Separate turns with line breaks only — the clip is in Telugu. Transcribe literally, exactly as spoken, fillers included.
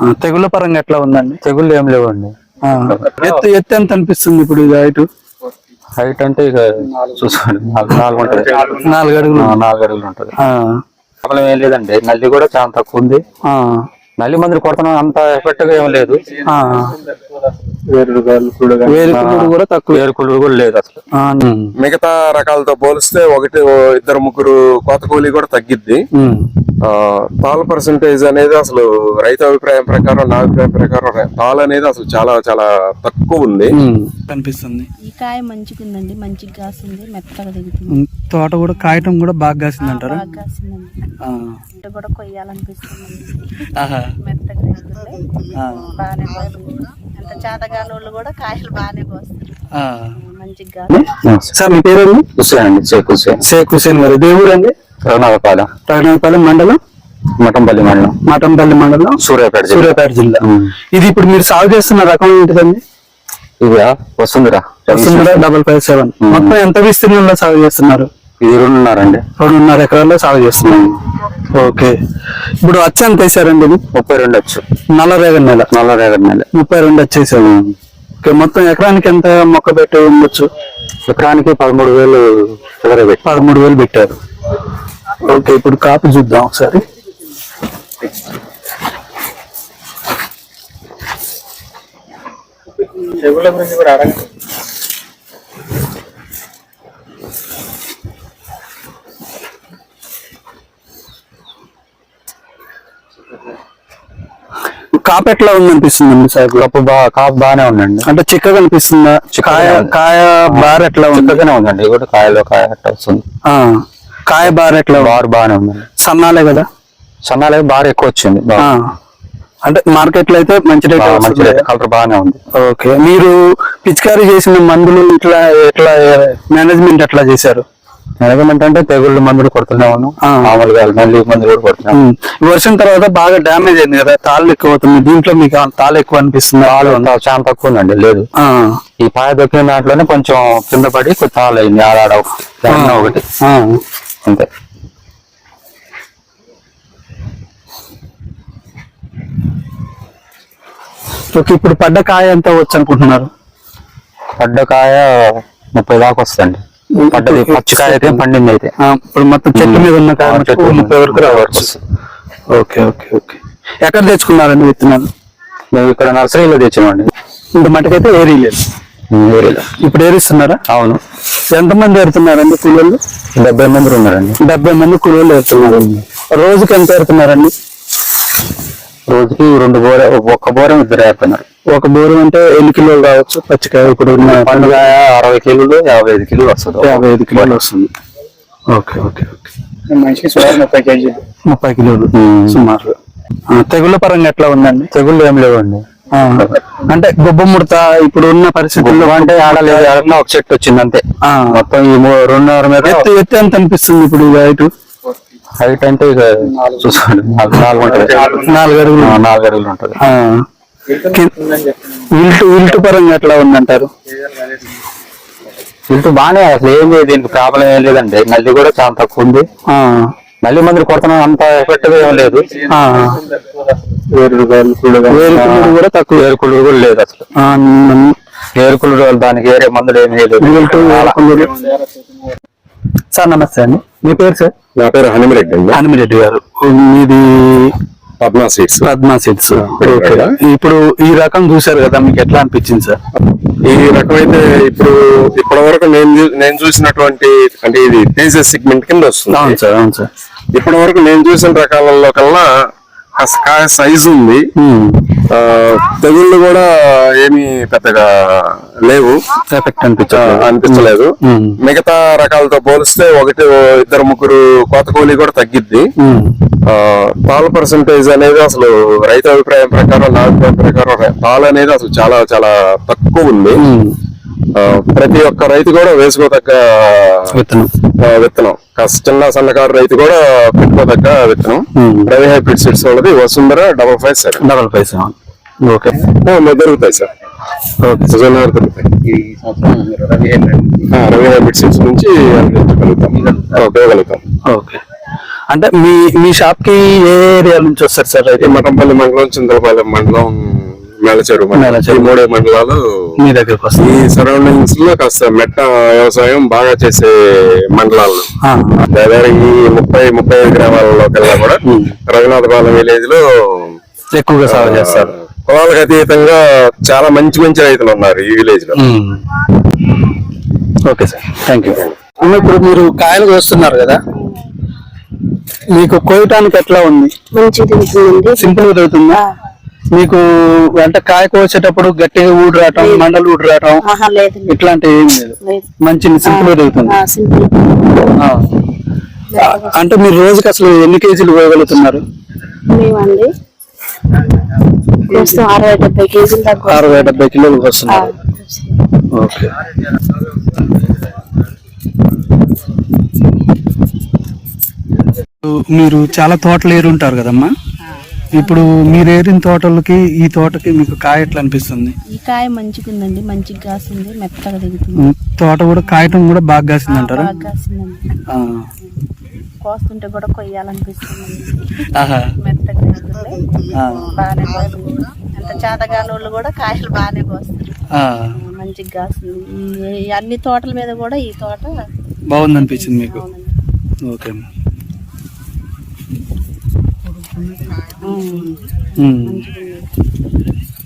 తెగుళ్ళ పరంగా ఎట్లా ఉందండి?
తెగుళ్ళు ఏం లేవండి.
ఎత్తు ఎత్తు ఎంత అనిపిస్తుంది ఇప్పుడు ఇది హైట్?
హైట్ అంటే ఇక చూసుకోండి నాలుగు ఉంటుంది,
నాలుగు అడుగులు
నాలుగు అడుగులు ఉంటుంది. ప్రాబ్లం ఏం లేదండి. నల్లి కూడా చాలా తక్కువ ఉంది. నల్లి మందులు కొడుతున్నాం, అంత ఎఫెక్ట్ గా ఏం లేదు.
వేరుకుళ్ళు కూడా తక్కువ,
వేరుకుళ్ళు కూడా లేదు అసలు.
మిగతా రకాలతో పోలిస్తే ఒకటి ఇద్దరు ముగ్గురు కోత కూలీ కూడా తగ్గిద్ది. తాల్ పర్సంటేజ్ అనేది అసలు రైతు అభిప్రాయం ప్రకారం, నా అభిప్రాయం ప్రకారం తాల్ అనేది అసలు చాలా చాలా తక్కువ ఉంది
కనిపిస్తుంది.
ఈ కాయ మంచిగా ఉందండి, మంచిగా కాసింది, మెత్తగా దిగుతుంది.
తోట కూడా కాయటం కూడా బాగా కాసింది అంటారు.
బాగా కాసిందండి, కూడా కొయ్యాలనిపిస్తుంది. మెత్తగా దిగుతుంది, బాగానే కాస్తుంది. ఎంత చేతగానోళ్ళు కూడా కాయలు బాగానే కోస్తారు, మంచిగా.
సార్ మీ పేరు?
హుసేన్ అండి, షేక్ హుసేన్.
షేక్ హుసేన్ గారు. దేవుడు అండి?
రఘునాథపాలెం.
రఘునాథపాలెం మండలం,
మఠంపల్లి మండలం.
మఠంపల్లి మండలం,
సూర్యాపేట
సూర్యాపేట జిల్లా. ఇది ఇప్పుడు మీరు సాగు చేస్తున్న రకం ఏంటిదండి?
ఇది Vasundhara
Vasundhara double five seven. మొత్తం ఎంత విస్తీర్ణంలో సాగు చేస్తున్నారు?
ఇది రెండున్నర అండి.
రెండున్నర ఎకరాల్లో సాగు చేస్తున్నారు. ఓకే. ఇప్పుడు వచ్చి ఎంత వేసారండి? ఇది
ముప్పై రెండు వచ్చు.
నల్ల రేగడి నెల,
నల్ల రేగడి నెల
ముప్పై రెండు వచ్చేసారు. ఓకే. మొత్తం ఎకరానికి ఎంత మొక్క పెట్టి ఉండొచ్చు?
ఎకరానికి పదమూడు వేలు
పదమూడు వేలు పెట్టారు. ఓకే. ఇప్పుడు కాపు చూద్దాం ఒకసారి.
తెగుళ్ళ గురించి కూడా అడగండి.
కాపు ఎట్లా ఉంది అనిపిస్తుంది సార్?
కాపు బాగా కాపు బాగానే ఉందండి.
అంటే చిక్కగా అనిపిస్తుందా? కాయ కాయ బార్ ఎట్లా
చిక్కగానే ఉందండి. కూడా కాయలో కాయ ఎట్లా వస్తుంది.
కాయ బార్ ఎట్లా?
బార్ బాగానే ఉందండి.
సన్నాలే కదా?
సన్నాలే బార్ ఎక్కువ వచ్చింది.
అంటే మార్కెట్ లో అయితే మంచి రేట్,
మంచి రేట్, కలర్ బాగానే ఉంది.
ఓకే. మీరు పిచికారీ చేసిన మందులు ఇట్లా ఎట్లా మేనేజ్మెంట్ ఎట్లా చేశారు?
మేనేజ్మెంట్ అంటే తెగుళ్ళు మందులు కొడుతున్నాము, మామూలుగా నల్లి మందులు కూడా కొడుతున్నాము.
వర్షం తర్వాత బాగా డ్యామేజ్ అయింది కదా, తాళ్ళు ఎక్కువ అవుతుంది. దీంట్లో మీకు తాళ్ళు ఎక్కువ అనిపిస్తుంది?
తాళ్ళు చాలా తక్కువ ఉందండి. లేదు, ఈ పాయ దొక్కిన దాంట్లోనే కొంచెం కింద పడి కొంచెం తాళ్ళు అయింది. ఆడాడ ఒకటి అంతే.
ఓకే. ఇప్పుడు పడ్డ కాయ ఎంత వచ్చు అనుకుంటున్నారు?
పడ్డ కాయ ముప్పై దాకా వస్తుంది. పడ్డది పచ్చికాయ అయితే, పండింది అయితే.
ఇప్పుడు మొత్తం చెట్టు మీద ఉన్న కాయ ముప్పై వరకు రావచ్చు. Okay okay okay. ఎక్కడ తెచ్చుకున్నారండి విత్తనాలు?
మేము ఇక్కడ నర్సరీలో తెచ్చామండి.
ఇంత మటుకైతే ఏరీ లేదు.
ఏరీలో
ఇప్పుడు ఏరిస్తున్నారా?
అవును.
ఎంతమంది ఏరుతున్నారండి కూలీలు?
డెబ్బై మంది ఉన్నారండి.
డెబ్బై మంది కూలీలు ఏరుతున్నారు. రోజుకి ఎంత ఏరుతున్నారండి?
రోజుకి రెండు బోర, ఒక్క బోరం ఇద్దరు ఏరుతున్నారు.
ఒక బోరం అంటే ఎన్ని కిలోలు రావచ్చు పచ్చికాయ? ఇప్పుడు
పండుగాయ అరవై కిలోలు, యాభై ఐదు కిలోలు వస్తుంది.
యాభై ఐదు కిలోలు వస్తుంది. Okay okay okay. మనిషికి సుమారు ముప్పై కేజీలు, ముప్పై కిలోలు సుమారు. తెగుళ్ళ పరంగా ఎట్లా ఉందండి?
తెగుళ్ళు ఏం లేవండి.
అంటే గొబ్బ ముడత ఇప్పుడు ఉన్న పరిస్థితుల్లో అంటే
ఆడలేదు, ఆడకుండా ఒక చెట్టు వచ్చింది అంతే. మొత్తం ఈ రెండున్నర మీద.
ఎత్తు ఎత్తు ఎంత అనిపిస్తుంది ఇప్పుడు హైట్?
హైట్ అంటే ఇక చూసుకోండి నాలుగు ఉంటుంది,
నాలుగు అడుగులు,
నాలుగు అడుగులు ఉంటుంది.
విల్టు విల్టు పరంగా ఎట్లా ఉందంటారు?
విల్టు బాగానే, అసలు ఏం లేదు, దీనికి ప్రాబ్లం ఏం లేదండి. నల్లి కూడా చాలా తక్కువ ఉంది. నల్లి మందులు కొడుతున్నాం, అంత ఎఫెక్ట్ గా ఏం లేదు.
వేరుకుళ్ళు కూడా తక్కువ,
వేరుకుళ్ళు కూడా లేదు అసలు. వేరుకుళ్ళు దానికి వేరే మందులు ఏమి లేదు.
సార్ నమస్తే అండి, మీ పేరు సార్?
నా పేరు హనుమిరెడ్డి అండి.
హనుమిరెడ్డి గారు. మీది
పద్మా సీడ్స్.
పద్మా సీడ్స్. ఇప్పుడు ఈ రకం చూసారు కదా, మీకు ఎట్లా అనిపించింది సార్?
ఈ రకం అయితే ఇప్పుడు ఇప్పటి వరకు నేను నేను చూసినటువంటి, అంటే ఇది తేజస్ సెగ్మెంట్ కింద వస్తుంది.
అవును సార్, అవును సార్.
ఇప్పటి వరకు నేను చూసిన రకాలలో కల్లా కాయ సైజు ఉంది. తెగుళ్ళు కూడా ఏమి పెద్దగా లేవు,
ఎఫెక్ట్ అనిపించ
అనిపించలేదు. మిగతా రకాలతో పోలిస్తే ఒకటి ఇద్దరు ముగ్గురు కోత కూలీ కూడా తగ్గిద్ది. పాల పర్సంటేజ్ అనేది అసలు రైతు అభిప్రాయం ప్రకారం, నా అభిప్రాయం ప్రకారం పాలు అనేది అసలు చాలా చాలా తక్కువ ఉంది. ప్రతి ఒక్క రైతు కూడా వేసుకోదగ్గ
విత్తనం
విత్తనం చిన్న సన్నకారు రైతు కూడా పెట్టుకోదగ్గ విత్తనం. రవి హైబ్రిడ్ సీడ్స్ వాళ్ళది Vasundhara double five seven
double five seven okay
దొరుకుతాయి సార్. దొరుకుతాయి. రవి హైబ్రిడ్ సీడ్స్ నుంచి ఉపయోగలుగుతాం.
ఓకే. అంటే మీ మీ షాప్ కి ఏ ఏరియా నుంచి వస్తారు సార్
ఈ
అయితే
మఠంపల్లి మండలం, చింతలపాలెం మండలం, మేలచెరు మండలం,
మేలచెరు.
ఈ మూడే మండలాలు.
మీ దగ్గరకు
ఈ
వస్తారు?
సరౌండింగ్స్ లో కాస్త మెట్ట వ్యవసాయం బాగా చేసే మండలాలు.
ఆ,
దాదాపు ఈ ముప్పై ముప్పై ఐదు గ్రామాలలో కల్లా కూడా రఘునాథపాలెం విలేజ్ లో
ఎక్కువగా సాగు చేస్తారు.
కులాలకు అతీతంగా చాలా మంచి మంచి రైతులు ఉన్నారు ఈ విలేజ్ లో.
Okay sir, thank you. అమ్మ, ఇప్పుడు మీరు కాయలు కోస్తున్నారు కదా, మీకు కోయటానికి ఎట్లా ఉంది?
మంచిగా దిగుతుందండి.
సింపుల్ గా దొరుకుతుందా? మీకు అంటే కాయ కోసేటప్పుడు గట్టిగా ఊడి రావటం, మండలు ఊడి రావటం
ఆహా లేదండి,
ఇట్లాంటివి ఏం లేదు,
లేదు.
మంచి సింపుల్ గా దొరుకుతుంది.
ఆ, సింపుల్.
ఆ. అంటే మీరు రోజుకి అసలు ఎన్ని కేజీలు కోయగలుగుతున్నారు?
మేమండి ప్రస్తుతం అరవై డెబ్బై కేజీలు దాకా
అరవై డెబ్బై కిలోలు వస్తున్నారు. ఓకే. మీరు చాలా తోటలు ఏరుంటారు కదమ్మా, ఇప్పుడు మీరు ఏరిన తోటలకి ఈ తోటకి మీకు కాయ ఎట్లా అనిపిస్తుంది?
ఈ కాయ మంచిగా ఉందండి, మంచిగా కాసింది, మెత్తగా దిగుతుంది.
ఉమ్, తోట కూడా కాయటం కూడా బాగా కాసింది అంటారా?
బాగా కాసిందండి.
ఆ.
కోస్తుంటే కూడా కొయ్యాలనిపిస్తుంది.
ఆహా.
మెత్తగా దిగుతుంది,
ఆ.
బాగానే కోస్తుంది. అంత చేతగాని వాళ్ళు కూడా కాయలు బాగానే కోస్తారు.
ఆ.
మంచిగా కాసింది. ఈ- ఈ అన్ని తోటల మీద కూడా ఈ తోట
బాగుంది అనిపించింది మీకు?
బాగుంది.
ఓకే అమ్మా.
ఉమ్.
ఉమ్.
మంచిగా ఉంది.